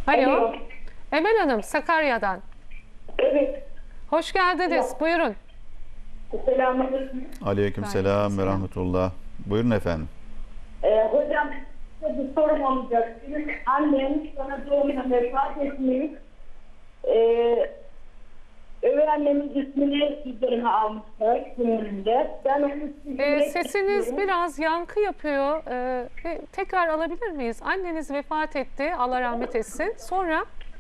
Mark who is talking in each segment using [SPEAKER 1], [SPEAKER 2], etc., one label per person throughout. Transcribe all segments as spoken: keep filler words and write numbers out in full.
[SPEAKER 1] Alo.
[SPEAKER 2] Alo.
[SPEAKER 1] Emel Hanım, Sakarya'dan.
[SPEAKER 2] Evet.
[SPEAKER 1] Hoş geldiniz.
[SPEAKER 2] Ya.
[SPEAKER 1] Buyurun.
[SPEAKER 2] Selamünaleyküm.
[SPEAKER 3] Aleykümselam ve rahmetullah. Buyurun efendim.
[SPEAKER 2] Ee, hocam size bir sorum olacak. Benim annem bana doğumda vefat etmiş. Ee, Öve annemin ismini üzerine almışlar gününde. Ben onu
[SPEAKER 1] Ee,
[SPEAKER 2] silmek
[SPEAKER 1] sesiniz
[SPEAKER 2] istiyorum.
[SPEAKER 1] biraz yankı yapıyor. Ee, bir tekrar alabilir miyiz? Anneniz vefat etti. Allah rahmet etsin. Sonra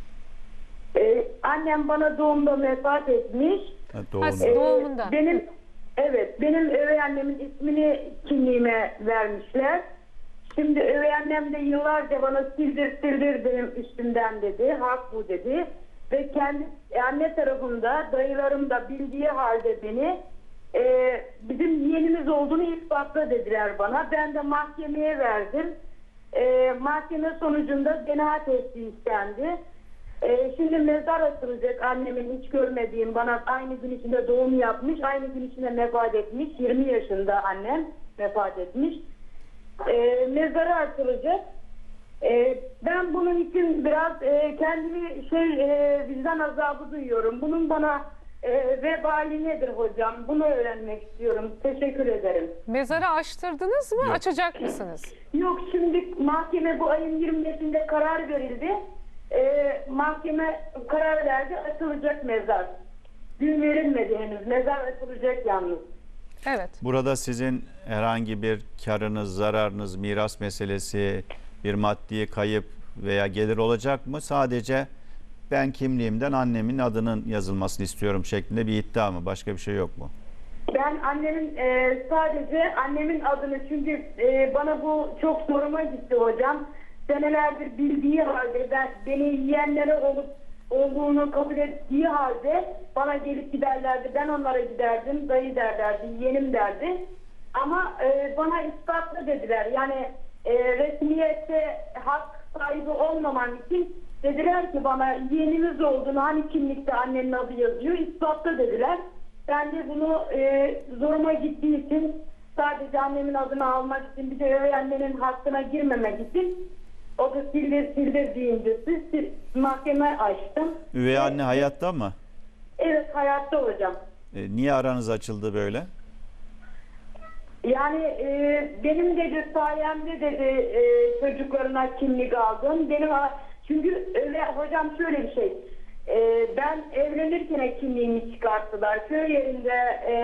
[SPEAKER 2] Ee, annem bana doğumda vefat etmiş.
[SPEAKER 3] Ha,
[SPEAKER 1] Ha,
[SPEAKER 3] doğru.
[SPEAKER 1] siz-
[SPEAKER 2] Ee,
[SPEAKER 1] Doğumunda.
[SPEAKER 2] Benim evet benim öve annemin ismini kimliğime vermişler. Şimdi öve annem de yıllarca bana sildir sildir benim üstümden dedi. Hak bu dedi. Ve kendi anne tarafında dayılarım da bildiği halde beni e, bizim yeğenimiz olduğunu ispatla dediler bana. Ben de mahkemeye verdim. E, mahkeme sonucunda D N A testi istendi. E, şimdi mezar açılacak, annemin hiç görmediğim, bana aynı gün içinde doğum yapmış, aynı gün içinde vefat etmiş. yirmi yaşında annem vefat etmiş. E, mezarı açılacak. E, ben bunun için biraz e, kendimi şey e, vicdan azabı duyuyorum. Bunun bana e, vebali nedir hocam? Bunu öğrenmek istiyorum. Teşekkür ederim.
[SPEAKER 1] mezarı açtırdınız mı?
[SPEAKER 3] Yok.
[SPEAKER 1] Açacak mısınız?
[SPEAKER 2] Yok, şimdi mahkeme bu ayın yirmi beşinde karar verildi. Ee, mahkeme karar verdi, açılacak mezar. Gün verilmedi henüz. Mezar açılacak yalnız.
[SPEAKER 1] Evet.
[SPEAKER 3] Burada sizin herhangi bir karınız, zararınız, miras meselesi, bir maddi kayıp veya gelir olacak mı? Sadece ben kimliğimden annemin adının yazılmasını istiyorum şeklinde bir iddia mı? Başka bir şey yok mu?
[SPEAKER 2] Ben annemin e, sadece annemin adını, çünkü e, bana bu çok zoruma gitti hocam. Senelerdir bildiği halde, ben beni yiyenlere olup olduğunu kabul ettiği halde bana gelip giderlerdi. Ben onlara giderdim. Dayı derlerdi, yeğenim derdi. Ama e, bana ispatla dediler. Yani e, resmiyette hak sahibi olmaman için dediler ki bana yeğenimiz olduğunu, hani kimlikte annenin adı yazıyor, ispatla dediler. Ben de bunu e, zoruma gittiği için, sadece annemin adını almak için, bir de öyle annenin hakkına girmemek için, o da sildir sildir deyince siz mahkeme açtım.
[SPEAKER 3] Üvey anne hayatta mı?
[SPEAKER 2] Evet, hayatta hocam.
[SPEAKER 3] E, niye aranız açıldı böyle?
[SPEAKER 2] Yani e, benim dedi sayemde dedi e, çocuklarına kimlik aldım. Benim çünkü öyle hocam, şöyle bir şey. E, ben evlenirken kimliğimi çıkarttılar. Köy yerinde e,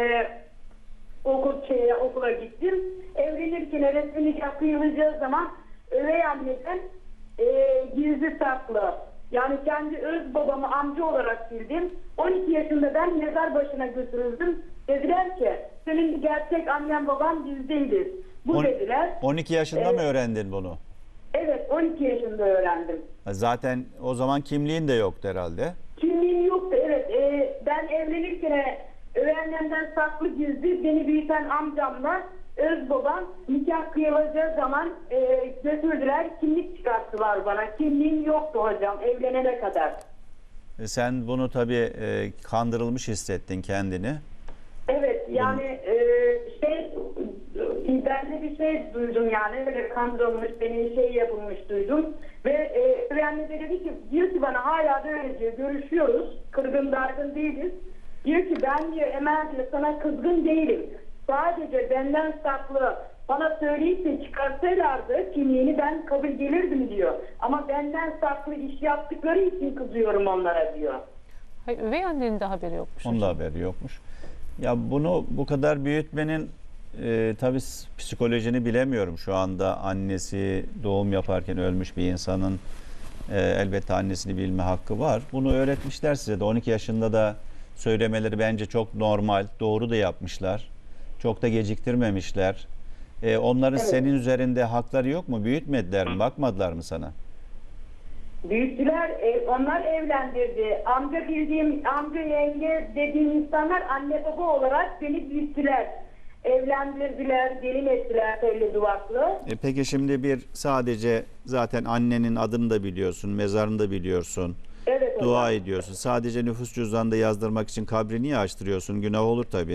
[SPEAKER 2] okul şeye, okula gittim. Evlenirken resmi nikah kıyılacağı zaman üvey anneden e, gizli saklı. Yani kendi öz babamı amca olarak bildim. on iki yaşında ben mezar başına götürüldüm. Dediler ki senin gerçek annen baban biz değiliz. Bu
[SPEAKER 3] On-
[SPEAKER 2] dediler.
[SPEAKER 3] on iki yaşında
[SPEAKER 2] Evet.
[SPEAKER 3] mı öğrendin bunu?
[SPEAKER 2] Evet, on iki yaşında öğrendim.
[SPEAKER 3] Ha, zaten o zaman kimliğin de yoktu herhalde.
[SPEAKER 2] Kimliğim yoktu, evet. E, ben evlenirken üvey annemden saklı gizli beni büyüten amcamla öz babam nikah kıyılacağı zaman e, götürdüler, kimlik çıkarttılar bana. Kimliğim yoktu hocam evlenene kadar.
[SPEAKER 3] E, sen bunu tabii e, kandırılmış hissettin kendini.
[SPEAKER 2] Evet, yani e, şey, ben de bir şey duydum, yani öyle kandırılmış, beni şey yapılmış duydum. Ve e, üvey anne de dedi ki, diyor ki bana, hala da öyle diyor, görüşüyoruz, kırgın dargın değiliz. Diyor ki ben diyor Emel diyor sana kızgın değilim. Sadece benden saklı bana söyleyip de çıkarsalardı kimliğini ben kabul gelirdim diyor. Ama benden saklı iş yaptıkları için kızıyorum onlara diyor.
[SPEAKER 1] Hayır, üvey annenin de haberi yokmuş.
[SPEAKER 3] Onun da
[SPEAKER 1] hocam.
[SPEAKER 3] haberi yokmuş. Ya bunu bu kadar büyütmenin e, tabii psikolojini bilemiyorum. Şu anda annesi doğum yaparken ölmüş bir insanın e, elbette annesini bilme hakkı var. Bunu öğretmişler size de. on iki yaşında da söylemeleri bence çok normal. Doğru da yapmışlar. Çok da geciktirmemişler. E, onların
[SPEAKER 2] Evet.
[SPEAKER 3] senin üzerinde hakları yok mu? Büyütmediler mi? Bakmadılar mı sana?
[SPEAKER 2] Büyüttüler, e, onlar evlendirdi. Amca bildiğim, amca yenge dediğim insanlar anne baba olarak beni büyüttüler. Evlendirdiler, gelin ettiler telli duvaklı.
[SPEAKER 3] E peki şimdi bir sadece zaten annenin adını da biliyorsun, mezarını da biliyorsun,
[SPEAKER 2] Evet hocam.
[SPEAKER 3] dua ediyorsun. Sadece nüfus cüzdanında yazdırmak için kabri niye açtırıyorsun? Günah olur tabii.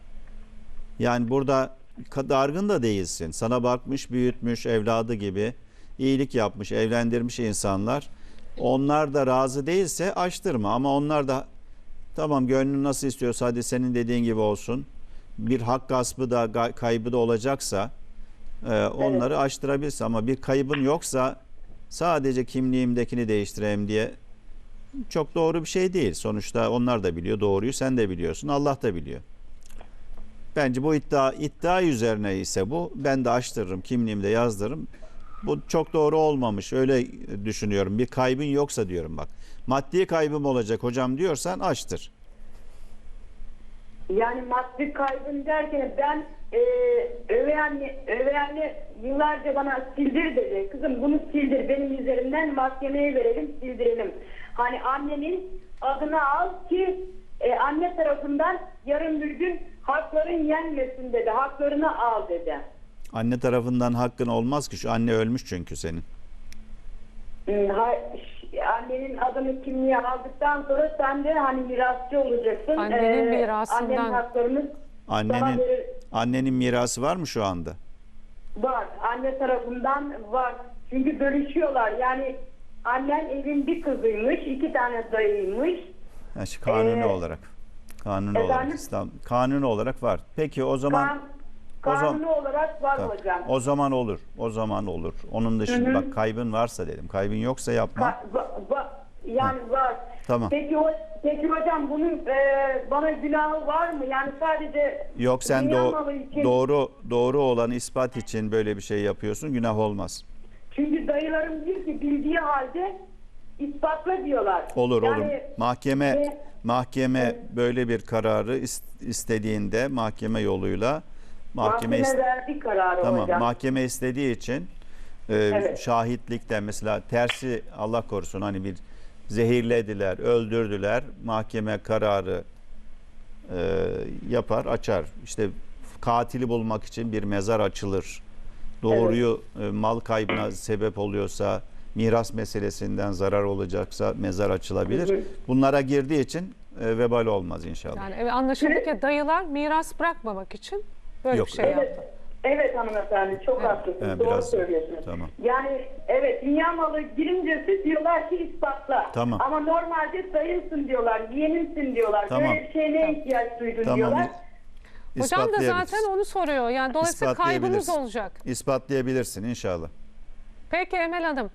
[SPEAKER 3] Yani burada dargın da değilsin. Sana bakmış, büyütmüş, evladı gibi iyilik yapmış, evlendirmiş insanlar. Onlar da razı değilse açtırma, ama onlar da tamam gönlün nasıl istiyorsa hadi senin dediğin gibi olsun. Bir hak gaspı da ga- kaybı da olacaksa e, onları açtırabilirsin, ama bir kaybın yoksa sadece kimliğimdekini değiştireyim diye çok doğru bir şey değil. Sonuçta onlar da biliyor doğruyu, sen de biliyorsun, Allah da biliyor. Bence bu iddia iddia üzerine ise bu, ben de açtırırım, kimliğimde yazdırırım. Bu çok doğru olmamış, öyle düşünüyorum. Bir kaybın yoksa diyorum bak. Maddi kaybım olacak hocam diyorsan açtır.
[SPEAKER 2] Yani maddi kaybın derken ben e, övey anne, övey anne yıllarca bana sildir dedi. Kızım bunu sildir, benim üzerimden mahkemeye verelim, sildirelim. Hani annenin adını al ki e, anne tarafından yarın bir gün hakların yenmesin dedi. Haklarını al dedi.
[SPEAKER 3] Anne tarafından hakkın olmaz ki, şu anne ölmüş çünkü senin.
[SPEAKER 2] Hmm, ha- ş- Annenin adını kimliğe aldıktan sonra sen de hani mirasçı olacaksın.
[SPEAKER 1] Annenin
[SPEAKER 2] Ee,
[SPEAKER 1] mirasından.
[SPEAKER 2] Annenin haklarını sana
[SPEAKER 3] Annenin
[SPEAKER 2] verir.
[SPEAKER 3] annenin mirası var mı şu anda?
[SPEAKER 2] Var. Anne tarafından var. Çünkü bölüşüyorlar. Yani annen evin bir kızıymış, iki tane dayıymış.
[SPEAKER 3] Yani şu kanuni
[SPEAKER 2] Ee,
[SPEAKER 3] olarak. Kanuni olarak
[SPEAKER 2] efendim?
[SPEAKER 3] İslam kanuni olarak var. Peki o zaman
[SPEAKER 2] Kan,
[SPEAKER 3] o zaman-
[SPEAKER 2] kanuni olarak var
[SPEAKER 3] tamam.
[SPEAKER 2] hocam.
[SPEAKER 3] O zaman olur. O zaman olur. Onun dışında
[SPEAKER 2] Hı hı.
[SPEAKER 3] bak, kaybın varsa dedim. Kaybın yoksa yapma.
[SPEAKER 2] Ka- va- va- yani var.
[SPEAKER 3] Tamam.
[SPEAKER 2] Peki, o, peki hocam bunun e, bana günahı var mı? Yani sadece
[SPEAKER 3] Yok, sen
[SPEAKER 2] dünya
[SPEAKER 3] do-
[SPEAKER 2] malı için-
[SPEAKER 3] doğru doğru olan ispat için böyle bir şey yapıyorsun. Günah olmaz.
[SPEAKER 2] Çünkü dayılarım diyor ki bildiği halde ispatla diyorlar.
[SPEAKER 3] Olur
[SPEAKER 2] Yani,
[SPEAKER 3] olur. Mahkeme
[SPEAKER 2] e,
[SPEAKER 3] mahkeme böyle bir kararı is- istediğinde mahkeme yoluyla mahkeme
[SPEAKER 2] mahkeme
[SPEAKER 3] is-
[SPEAKER 2] verdi kararı
[SPEAKER 3] tamam
[SPEAKER 2] hocam.
[SPEAKER 3] mahkeme istediği için e,
[SPEAKER 2] Evet.
[SPEAKER 3] şahitlikten mesela tersi, Allah korusun, hani bir zehirlediler, öldürdüler, mahkeme kararı e, yapar, açar. İşte katili bulmak için bir mezar açılır. Doğruyu e, mal kaybına sebep oluyorsa, miras meselesinden zarar olacaksa mezar açılabilir.
[SPEAKER 2] Hı hı.
[SPEAKER 3] Bunlara girdiği için e, vebal olmaz inşallah.
[SPEAKER 1] Yani evet, anlaşıldı ki dayılar miras bırakmamak için böyle
[SPEAKER 3] Yok,
[SPEAKER 1] bir şey
[SPEAKER 3] evet.
[SPEAKER 2] Evet,
[SPEAKER 1] yaptı.
[SPEAKER 2] evet hanımefendi çok
[SPEAKER 1] Evet.
[SPEAKER 2] haklısınız.
[SPEAKER 3] Evet,
[SPEAKER 2] Doğru
[SPEAKER 3] biraz-
[SPEAKER 2] söylüyorsunuz.
[SPEAKER 3] tamam.
[SPEAKER 2] Yani evet, dünya malı girincesi diyorlar ki ispatla.
[SPEAKER 3] Tamam.
[SPEAKER 2] Ama normalde dayımsın diyorlar, yeğenimsin diyorlar.
[SPEAKER 3] Tamam.
[SPEAKER 2] Böyle bir şeye ne ihtiyaç duydun
[SPEAKER 3] Tamam.
[SPEAKER 2] diyorlar.
[SPEAKER 1] Hocam da
[SPEAKER 3] İspatlayabiliriz.
[SPEAKER 1] zaten onu soruyor. Yani dolayısıyla kaybınız
[SPEAKER 3] İspatlayabilirsin.
[SPEAKER 1] olacak.
[SPEAKER 3] İspatlayabilirsin inşallah.
[SPEAKER 1] Peki Emel Hanım.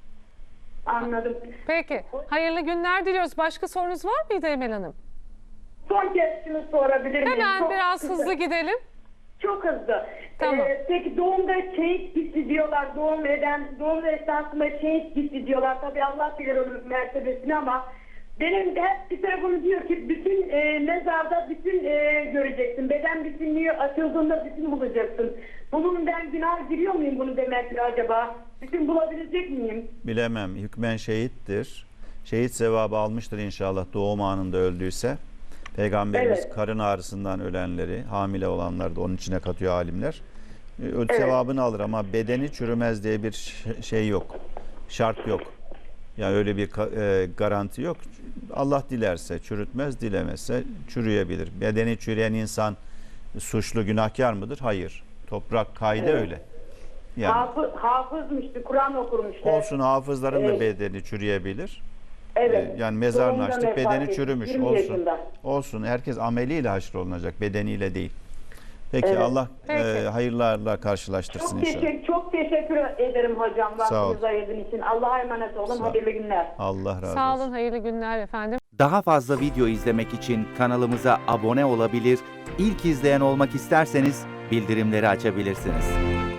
[SPEAKER 2] Anladım.
[SPEAKER 1] Peki. Hayırlı günler diliyoruz. Başka sorunuz var mıydı Emel Hanım?
[SPEAKER 2] Son kez şunu sorabilir miyim?
[SPEAKER 1] Hemen
[SPEAKER 2] Çok
[SPEAKER 1] biraz
[SPEAKER 2] kısa.
[SPEAKER 1] hızlı gidelim.
[SPEAKER 2] Çok hızlı.
[SPEAKER 1] Tamam.
[SPEAKER 2] Ee, peki doğumda şehit gitti diyorlar. Doğum eden, doğum esnasında şehit gitti diyorlar. Tabii Allah bilir onun mertebesini, ama benim de hep bir tarafım diyor ki bütün e, mezarda bütün e, göreceksin. Beden bütünlüğü açıldığında bütün bulacaksın. Bunun ben günah giriyor muyum bunu demekle acaba? Bütün bulabilecek miyim?
[SPEAKER 3] Bilemem. Hükmen şehittir. Şehit sevabı almıştır inşallah doğum anında öldüyse. Peygamberimiz
[SPEAKER 2] Evet.
[SPEAKER 3] karın ağrısından ölenleri, hamile olanları da onun içine katıyor alimler. Ee, Ö-
[SPEAKER 2] Evet.
[SPEAKER 3] Sevabını alır, ama bedeni çürümez diye bir ş- şey yok. Şart yok. Yani öyle bir ka- e, garanti yok. Allah dilerse çürütmez, dilemezse çürüyebilir. Bedeni çürüyen insan suçlu, günahkar mıdır? Hayır. Toprak kaydı
[SPEAKER 2] Evet.
[SPEAKER 3] öyle. Yani
[SPEAKER 2] Hafız, hafızmıştı, Kur'an okurmuştu.
[SPEAKER 3] olsun, hafızların da
[SPEAKER 2] Evet.
[SPEAKER 3] bedeni çürüyebilir.
[SPEAKER 2] Evet.
[SPEAKER 3] Ee, Yani mezarını
[SPEAKER 2] Doğumdan
[SPEAKER 3] açtık,
[SPEAKER 2] vefat
[SPEAKER 3] bedeni
[SPEAKER 2] etti,
[SPEAKER 3] çürümüş.
[SPEAKER 2] yirmi
[SPEAKER 3] Olsun.
[SPEAKER 2] yaşında.
[SPEAKER 3] Olsun. Herkes ameliyle haşrolunacak, bedeniyle değil. Peki,
[SPEAKER 2] Evet.
[SPEAKER 3] Allah
[SPEAKER 1] Peki.
[SPEAKER 3] e, hayırlarla karşılaştırsın
[SPEAKER 2] Çok,
[SPEAKER 3] inşallah.
[SPEAKER 2] teşekkür, çok teşekkür ederim hocam
[SPEAKER 3] Sağ ol.
[SPEAKER 2] vaktinizi ayırdığın için. Allah'a emanet olun.
[SPEAKER 3] Sağ ol.
[SPEAKER 2] Hayırlı günler.
[SPEAKER 3] Allah razı
[SPEAKER 1] Sağ
[SPEAKER 3] olsun.
[SPEAKER 1] olun. Hayırlı günler efendim.
[SPEAKER 4] Daha fazla video izlemek için kanalımıza abone olabilir, ilk izleyen olmak isterseniz bildirimleri açabilirsiniz.